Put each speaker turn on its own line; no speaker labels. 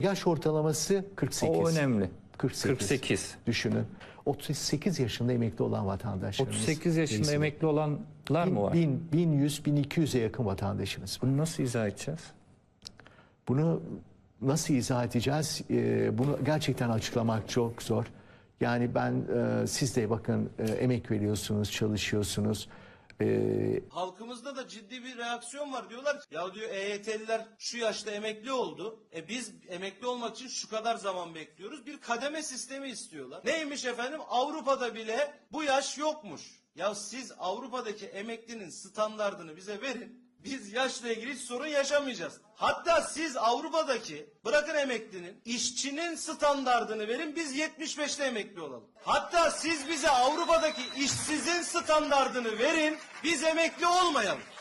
Yaş ortalaması 48.
O önemli.
48.
48.
Düşünün. 38 yaşında emekli olan vatandaşlarımız.
38 yaşında
Reis'im.
emekli olanlar mı var?
1100-1200'e yakın vatandaşımız var.
Bunu nasıl izah edeceğiz?
Bunu nasıl izah edeceğiz? Bunu gerçekten açıklamak çok zor. Yani siz de bakın emek veriyorsunuz, çalışıyorsunuz.
Halkımızda da ciddi bir reaksiyon var. Diyorlar ki ya diyor EYT'liler şu yaşta emekli oldu. Biz emekli olmak için şu kadar zaman bekliyoruz. Bir kademe sistemi istiyorlar. Neymiş efendim? Avrupa'da bile bu yaş yokmuş. Ya siz Avrupa'daki emeklinin standardını bize verin. Biz yaşla ilgili hiç sorun yaşamayacağız. Hatta siz Avrupa'daki bırakın emeklinin, işçinin standardını verin, biz 75'te emekli olalım. Hatta siz bize Avrupa'daki işsizin standardını verin, biz emekli olmayalım.